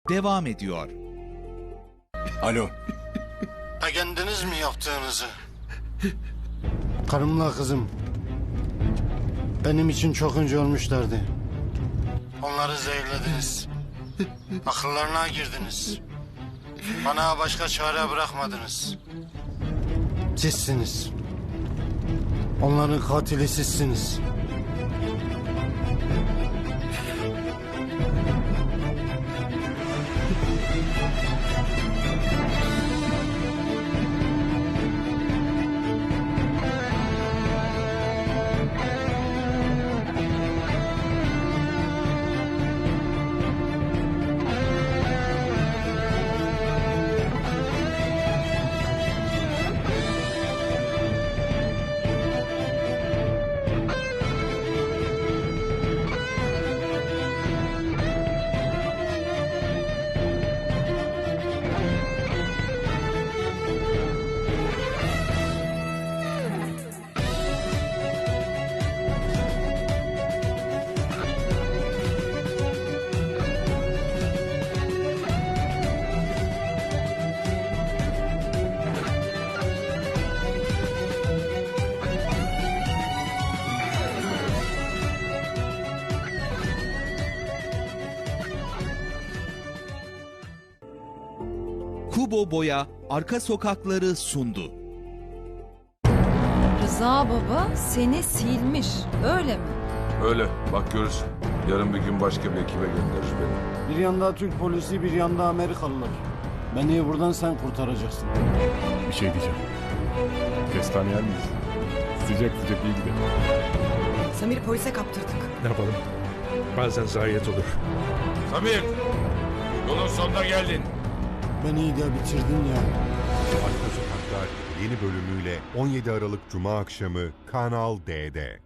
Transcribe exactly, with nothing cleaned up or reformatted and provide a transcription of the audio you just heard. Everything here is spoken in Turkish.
devam ediyor. Alo. Ha kendiniz mi yaptığınızı? Karımla kızım benim için çok önce ölmüşlerdi. Onları zehirlediniz. Akıllarına girdiniz. Bana başka çare bırakmadınız. Sizsiniz. Onların katili sizsiniz. Kubo Boya Arka Sokakları sundu. Rıza baba seni silmiş, öyle mi? Öyle, bak görürsün. Yarın bir gün başka bir ekibe gönderir beni. Bir yanda Türk polisi, bir yanda Amerikalılar. Beni buradan sen kurtaracaksın. Bir şey diyeceğim. Kestane yer miyiz? Sıcak sıcak iyi gidelim. Samir'i polise kaptırdık. Ne yapalım? Bazen zayiat olur. Samir, yolun sonuna geldin. Beni de bitirdin ya. Arka Sokaklar yeni bölümüyle on yedi Aralık Cuma akşamı Kanal D'de.